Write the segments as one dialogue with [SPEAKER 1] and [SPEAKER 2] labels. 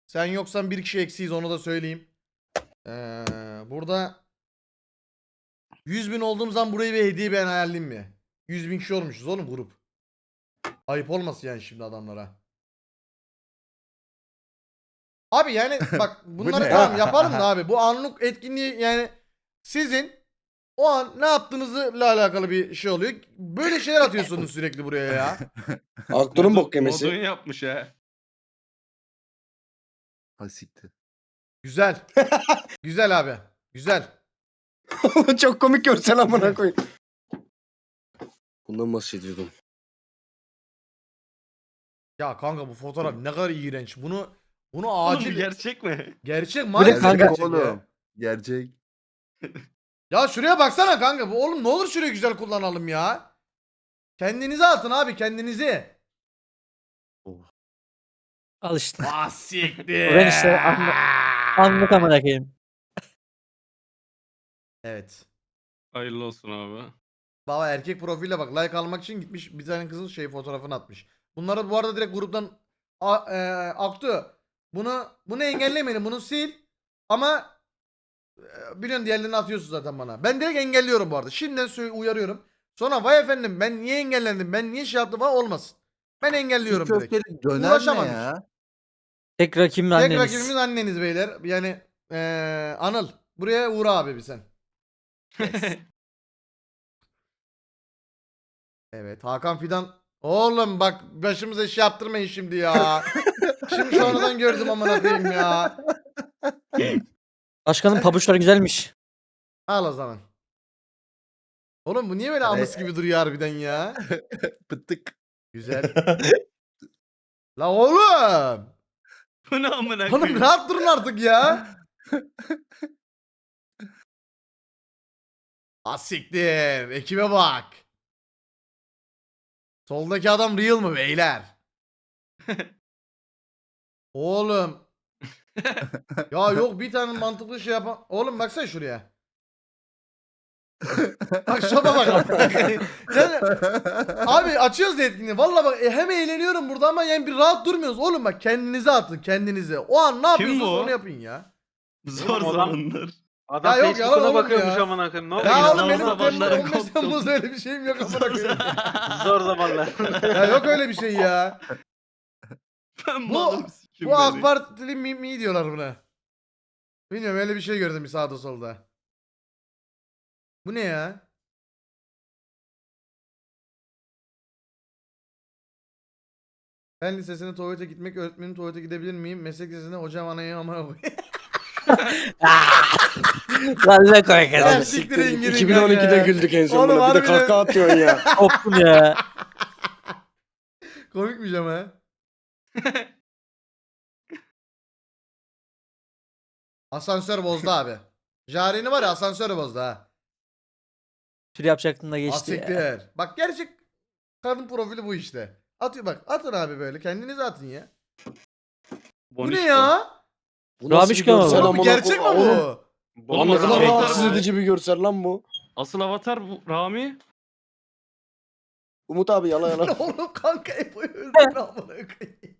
[SPEAKER 1] Sen yoksan bir kişi eksiyiz, onu da söyleyeyim. Burada 100.000 olduğum zaman burayı bir hediye ben ayarlayayım mi? 100.000 kişi olmuşuz oğlum grup. Ayıp olmasın yani şimdi adamlara. Abi yani bak bunları
[SPEAKER 2] ne?
[SPEAKER 1] tamam yapalım da abi bu anlık etkinliği yani sizin o an ne yaptığınızla alakalı bir şey oluyor. Böyle şeyler atıyorsunuz sürekli buraya ya.
[SPEAKER 3] Aktörün bok
[SPEAKER 4] Modun
[SPEAKER 3] yemesi.
[SPEAKER 4] yapmış ha.
[SPEAKER 2] Hasikti.
[SPEAKER 1] Güzel. Güzel abi. Güzel.
[SPEAKER 3] Çok komik görsel amına koyayım. Bundan bahsediyordum.
[SPEAKER 1] Ya kanka bu fotoğraf ne kadar iğrenç. Bunu
[SPEAKER 4] Oğlum
[SPEAKER 1] acil
[SPEAKER 4] gerçek mi?
[SPEAKER 1] gerçek
[SPEAKER 2] Bu
[SPEAKER 1] maalesef
[SPEAKER 2] kanka
[SPEAKER 1] gerçek ya.
[SPEAKER 2] oğlum. Gerçek.
[SPEAKER 1] Ya şuraya baksana kanka. Bu oğlum ne olur şurayı güzel kullanalım ya. Kendinize atın abi kendinizi.
[SPEAKER 5] Al işte.
[SPEAKER 1] Ah siktir.
[SPEAKER 5] Ben işte anlık amına koyayım.
[SPEAKER 1] Evet.
[SPEAKER 4] Hayırlı olsun abi.
[SPEAKER 1] Baba erkek profille bak like almak için gitmiş bir tane kızın şey fotoğrafını atmış. Bunları bu arada direkt gruptan Aktu. Bunu engellemeyin. Bunu sil. Ama biliyorsun diğerlerini atıyorsun zaten bana. Ben direkt engelliyorum bu arada. Şimdiden uyarıyorum. Sonra vay efendim ben niye engellendim? Ben niye şey yaptım falan olmasın. Ben engelliyorum
[SPEAKER 2] Şu
[SPEAKER 1] direkt.
[SPEAKER 2] köfteli döner ne
[SPEAKER 1] Uğraşamam hiç.
[SPEAKER 2] ya?
[SPEAKER 5] Tek rakibim
[SPEAKER 1] Tek
[SPEAKER 5] anneniz.
[SPEAKER 1] rakibimiz anneniz beyler. Yani Anıl buraya uğra abi bir sen. Yes. Evet Hakan Fidan. Oğlum bak başımıza iş yaptırmayın şimdi ya. Şimdi sonradan gördüm amına koyayım ya.
[SPEAKER 5] Başkanın pabuçları güzelmiş.
[SPEAKER 1] Al o zaman. Oğlum bu niye böyle amıs gibi duruyor harbiden ya?
[SPEAKER 2] Pıttık.
[SPEAKER 1] Güzel. La oğlum.
[SPEAKER 4] Bu ne amına
[SPEAKER 1] Oğlum
[SPEAKER 4] koyayım?
[SPEAKER 1] rahat durun artık ya. Asiktir. Ekibe bak. Soldaki adam real mı beyler? Oğlum. Ya yok bir tane mantıklı şey yapan. Oğlum baksana şuraya. Bak şopa bak. Yani, abi açıyoruz etkinliği. Valla bak hem eğleniyorum burada ama yani bir rahat durmuyoruz. Oğlum bak kendinize atın kendinize. O an ne yapıyorsunuz
[SPEAKER 4] bu?
[SPEAKER 1] onu yapın ya.
[SPEAKER 4] Zor
[SPEAKER 6] Oğlum,
[SPEAKER 4] zamanlar.
[SPEAKER 6] Adam
[SPEAKER 1] Ya yok, yalan
[SPEAKER 6] Facebook'una
[SPEAKER 1] oğlum
[SPEAKER 6] bakıyormuş
[SPEAKER 1] ya.
[SPEAKER 6] amına koyayım. Ne
[SPEAKER 1] Ya
[SPEAKER 6] oluyor?
[SPEAKER 1] oğlum benim
[SPEAKER 4] zamanlar
[SPEAKER 1] 15
[SPEAKER 4] koptum.
[SPEAKER 1] Temmuz'da öyle bir şeyim yok amına koyayım.
[SPEAKER 6] Zor zamanlar.
[SPEAKER 1] Ya yok öyle bir şey ya.
[SPEAKER 4] Ben
[SPEAKER 1] Bu
[SPEAKER 4] malım sikim
[SPEAKER 1] bu AK
[SPEAKER 4] beni.
[SPEAKER 1] Partili mi diyorlar buna. Bilmiyorum öyle bir şey gördüm bir sağda solda. Bu ne ya? Fen lisesine tuvalete gitmek, öğretmenin tuvalete gidebilir miyim? Meslek lisesine hocam anayı amına koy.
[SPEAKER 5] Vallahi koy
[SPEAKER 1] Ya
[SPEAKER 5] kadar.
[SPEAKER 1] siktirin girin
[SPEAKER 3] 2012'de
[SPEAKER 1] kanka.
[SPEAKER 3] güldük en
[SPEAKER 1] Oğlum
[SPEAKER 3] sonunda. Bir de
[SPEAKER 1] harbiden-
[SPEAKER 3] kahkaha atıyorsun ya.
[SPEAKER 5] Koptum ya.
[SPEAKER 1] Komikmiş ama. Asansör bozdu abi. Jare'ni var ya asansör bozdu ha.
[SPEAKER 5] Tür yapacaktın da geçti ya.
[SPEAKER 1] Asiktir. Bak gerçek kadın profili bu işte. Atıyor bak atın abi böyle kendinize atın ya. Bu ne ya?
[SPEAKER 3] Bu nasıl bir
[SPEAKER 5] Rabişka mı?
[SPEAKER 3] görsel
[SPEAKER 1] Oğlum bu
[SPEAKER 3] amına
[SPEAKER 1] gerçek mi
[SPEAKER 3] koyayım? Oğlum,
[SPEAKER 1] bu?
[SPEAKER 4] Oğlum,
[SPEAKER 3] ne kadar
[SPEAKER 4] asıl
[SPEAKER 3] rahatsız
[SPEAKER 4] avatar bu.
[SPEAKER 3] edici bir görsel lan bu.
[SPEAKER 4] Asıl avatar bu Rami.
[SPEAKER 3] Umut abi yala yala.
[SPEAKER 1] Oğlum kanka Epo'yu öldürdün amına koyayım.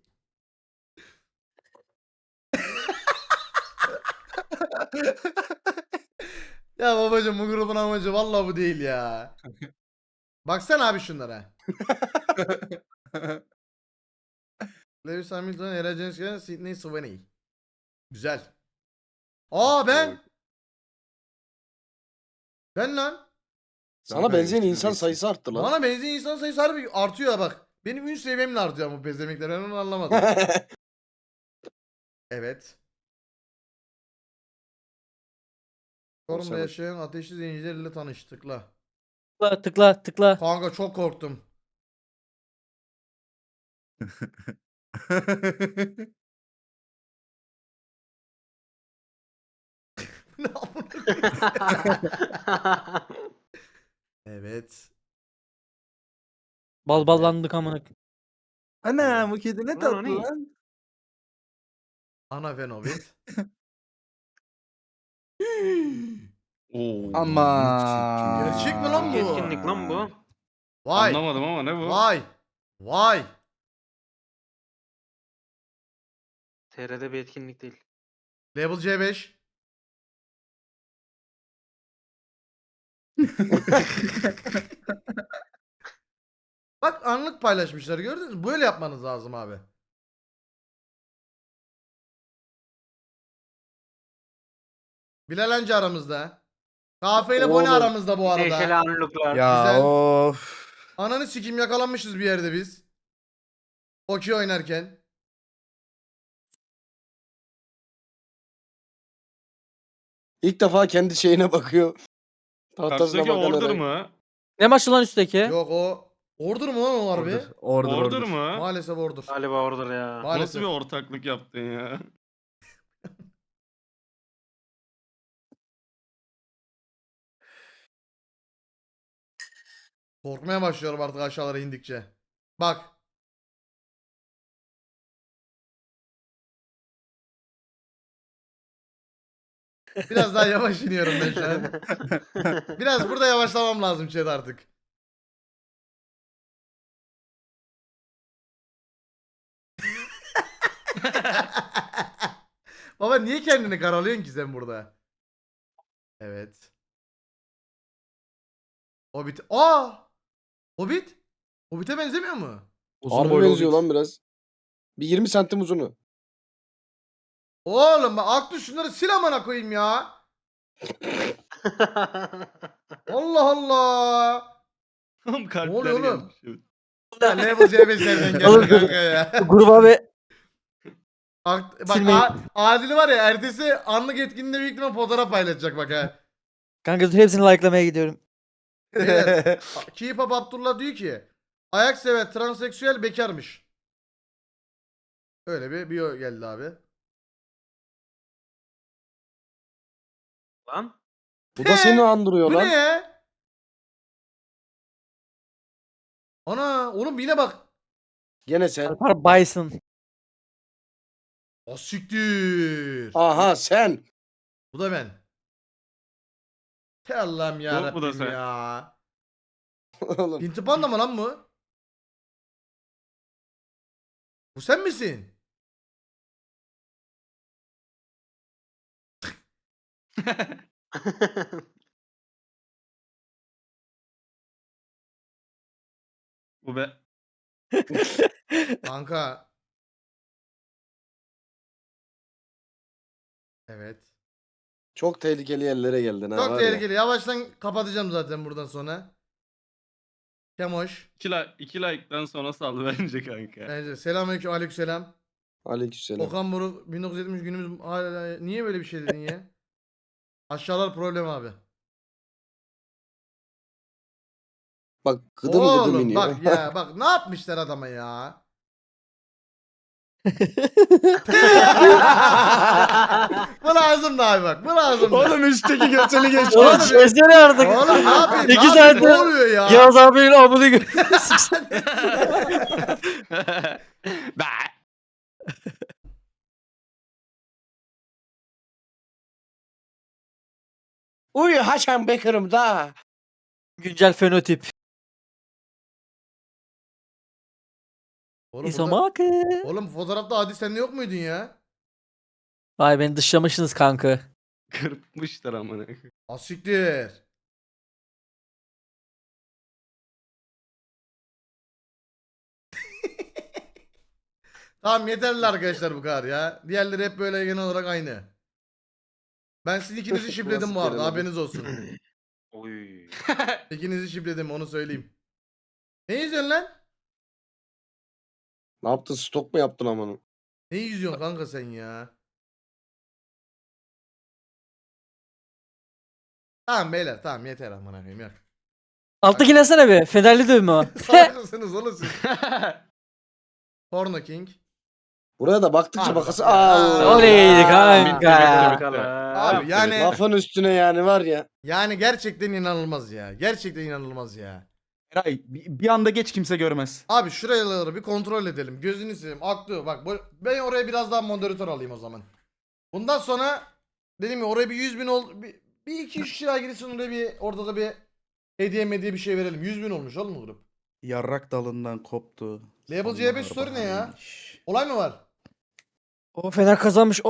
[SPEAKER 1] Ya babacım bu grubun amacı vallahi bu değil ya. Baksana abi şunlara. Lewis Hamilton, Ella James, Sydney Sweeney. Güzel. Aa ben. Ben lan.
[SPEAKER 3] Sana benzeyen insan sayısı arttı lan.
[SPEAKER 1] Bana benzeyen insan sayısı harbi artıyor ya bak. Benim ün seviyemle artıyor bu bezemekler. Ben onu anlamadım. Evet. Çorum'da
[SPEAKER 3] Olsa bak.
[SPEAKER 1] yaşayan ateşli zencilerle tanıştık la.
[SPEAKER 5] Tıkla tıkla tıkla.
[SPEAKER 1] Kanka çok korktum. Ne amına- Evet.
[SPEAKER 5] Bal ballandık amına koyayım.
[SPEAKER 2] Ana bu kedi ne
[SPEAKER 6] Lan o
[SPEAKER 2] tatlı
[SPEAKER 6] ne?
[SPEAKER 2] lan.
[SPEAKER 1] Ana Fenovit.
[SPEAKER 4] Oo.
[SPEAKER 2] Ama.
[SPEAKER 1] Gerçek mi lan bu?
[SPEAKER 6] Etkinlik lan bu.
[SPEAKER 1] Vay.
[SPEAKER 4] Anlamadım ama ne bu?
[SPEAKER 1] Vay. Vay.
[SPEAKER 6] TR'de bir etkinlik değil.
[SPEAKER 1] Label C5. Bak anlık paylaşmışlar gördünüz mü? Böyle yapmanız lazım abi. Bilal Hancı aramızda. Kafe ile Boni
[SPEAKER 3] Oğlum.
[SPEAKER 1] aramızda bu
[SPEAKER 6] Neşeli
[SPEAKER 1] arada.
[SPEAKER 6] anlıklar.
[SPEAKER 2] Ya
[SPEAKER 1] Güzel.
[SPEAKER 2] of.
[SPEAKER 1] Ananı sikim yakalanmışız bir yerde biz. Okey oynarken.
[SPEAKER 3] İlk defa kendi şeyine bakıyor. Tahtasına
[SPEAKER 4] Karşıdaki
[SPEAKER 3] bakan
[SPEAKER 4] order
[SPEAKER 3] Eray.
[SPEAKER 4] mı?
[SPEAKER 5] Ne maçı lan üstteki?
[SPEAKER 1] Yok o. Order mu lan o harbi?
[SPEAKER 4] Order mı?
[SPEAKER 1] Maalesef order.
[SPEAKER 6] Galiba orada ya.
[SPEAKER 4] Nasıl
[SPEAKER 1] Maalesef.
[SPEAKER 4] bir ortaklık yaptın ya?
[SPEAKER 1] Korkmaya başlıyorum artık aşağılara indikçe. Bak. Biraz daha yavaş iniyorum ben şu an. Biraz burada yavaşlamam lazım chat artık. Baba niye kendini karalıyorsun ki sen burada? Evet. Hobbit. Aa! Hobbit? Hobbit'e benzemiyor mu?
[SPEAKER 3] Harbi benziyor lan biraz. Bir 20 santim uzunu.
[SPEAKER 1] Oğlum bak Aktu şunları sil amına koyayım ya. Allah Allah.
[SPEAKER 4] Oğlum kalpler
[SPEAKER 1] oluyor oğlum?
[SPEAKER 4] gelmiş. Evet.
[SPEAKER 1] Ya level C5'lerden
[SPEAKER 5] Oğlum,
[SPEAKER 1] geldi kanka ya.
[SPEAKER 5] Gruba ve
[SPEAKER 1] Bak
[SPEAKER 5] Silmeyin.
[SPEAKER 1] Adil var ya ertesi anlık etkinliğinde büyük ihtimal fotoğraf paylaşacak bak ha.
[SPEAKER 5] kanka dur hepsini like'lamaya gidiyorum.
[SPEAKER 1] Beyler, Keep Up Abdullah diyor ki ayak sever transseksüel bekarmış. Öyle bir bio geldi abi.
[SPEAKER 6] Lan.
[SPEAKER 3] Bu da seni andırıyor
[SPEAKER 1] Bu
[SPEAKER 3] lan.
[SPEAKER 1] ne ya? Ana oğlum yine bak.
[SPEAKER 3] Gene sen.
[SPEAKER 5] Alpar Bison.
[SPEAKER 1] O siktir.
[SPEAKER 3] Aha sen.
[SPEAKER 1] Bu da ben. Te Allah'ım
[SPEAKER 4] Yok, bu da
[SPEAKER 1] yarabbim
[SPEAKER 4] sen.
[SPEAKER 1] ya.
[SPEAKER 3] Oğlum.
[SPEAKER 1] Pinti Panda mı lan bu? Bu sen misin?
[SPEAKER 4] Bu be.
[SPEAKER 1] Kanka. Evet.
[SPEAKER 3] Çok tehlikeli yerlere geldin ha.
[SPEAKER 1] Çok
[SPEAKER 3] var ya.
[SPEAKER 1] tehlikeli. Yavaştan kapatacağım zaten buradan sonra. Kemoş.
[SPEAKER 4] 2 like'dan sonra sal bence kanka.
[SPEAKER 1] Bence. Selamünaleyküm. Aleykümselam.
[SPEAKER 3] Aleykümselam.
[SPEAKER 1] Okan Buruk 1970 günümüz hala niye böyle bir şey dedin ya? Aşağılar problem abi.
[SPEAKER 3] Bak gıdım
[SPEAKER 1] Oğlum
[SPEAKER 3] gıdım iniyor.
[SPEAKER 1] bak ya bak ne yapmışlar adama ya? Bu lazımdı abi bak. Bu lazımdı.
[SPEAKER 3] Oğlum üstteki götünü
[SPEAKER 5] Oğlum
[SPEAKER 3] geçmiş.
[SPEAKER 5] çözsene artık.
[SPEAKER 1] Oğlum ne yapayım? Ne
[SPEAKER 5] İki
[SPEAKER 1] yapayım? Ne
[SPEAKER 5] saattir
[SPEAKER 1] oluyor ya?
[SPEAKER 5] Yağız abinin amını gör.
[SPEAKER 4] Bah!
[SPEAKER 3] Uy Hasan Bekir'im da.
[SPEAKER 5] Güncel fenotip.
[SPEAKER 1] Oğlum, burada-
[SPEAKER 5] İsomakı.
[SPEAKER 1] Oğlum fotoğrafta Adi sen de yok muydun ya?
[SPEAKER 5] Vay beni dışlamışsınız kanka.
[SPEAKER 4] Kırpmışlar amına.
[SPEAKER 1] Asiktir. Tamam yeterli arkadaşlar bu kadar ya. Diğerleri hep böyle genel olarak aynı. Ben sizin ikinizi şipledim
[SPEAKER 3] Nasıl
[SPEAKER 1] bu arada
[SPEAKER 3] gelemedim?
[SPEAKER 1] haberiniz olsun.
[SPEAKER 6] Oy.
[SPEAKER 1] İkinizi şipledim onu söyleyeyim. Ne izliyorsun lan?
[SPEAKER 3] Ne yaptın? Stok mu yaptın amanı?
[SPEAKER 1] Ne izliyorsun kanka sen ya? Tamam beyler tamam yeter amına koyayım yok.
[SPEAKER 5] Alttaki nesene be. Federli dövme o.
[SPEAKER 1] Salak mısınız oğlum siz? Porno King.
[SPEAKER 3] Buraya da baktıkça
[SPEAKER 1] Abi
[SPEAKER 3] bakası.
[SPEAKER 1] bak ya.
[SPEAKER 3] Allah.
[SPEAKER 5] Oley kanka.
[SPEAKER 4] Bitti.
[SPEAKER 1] Abi yani
[SPEAKER 3] Lafın üstüne yani var ya.
[SPEAKER 1] yani gerçekten inanılmaz ya. Gerçekten inanılmaz ya.
[SPEAKER 7] Eray bir anda geç kimse görmez.
[SPEAKER 1] Abi şuraları bir kontrol edelim. Gözünü seveyim. Aklı bak ben oraya biraz daha moderatör alayım o zaman. Bundan sonra dedim ya oraya bir 100.000 ol bir iki üç kişi daha girsin oraya bir orada da bir hediye bir şey verelim. 100.000 olmuş oğlum bu grup.
[SPEAKER 7] Yarrak dalından koptu.
[SPEAKER 1] Label
[SPEAKER 7] Sonbahar
[SPEAKER 1] C5 story ne ya?
[SPEAKER 7] baharıymış.
[SPEAKER 1] Olay mı var?
[SPEAKER 5] O Fener kazanmış.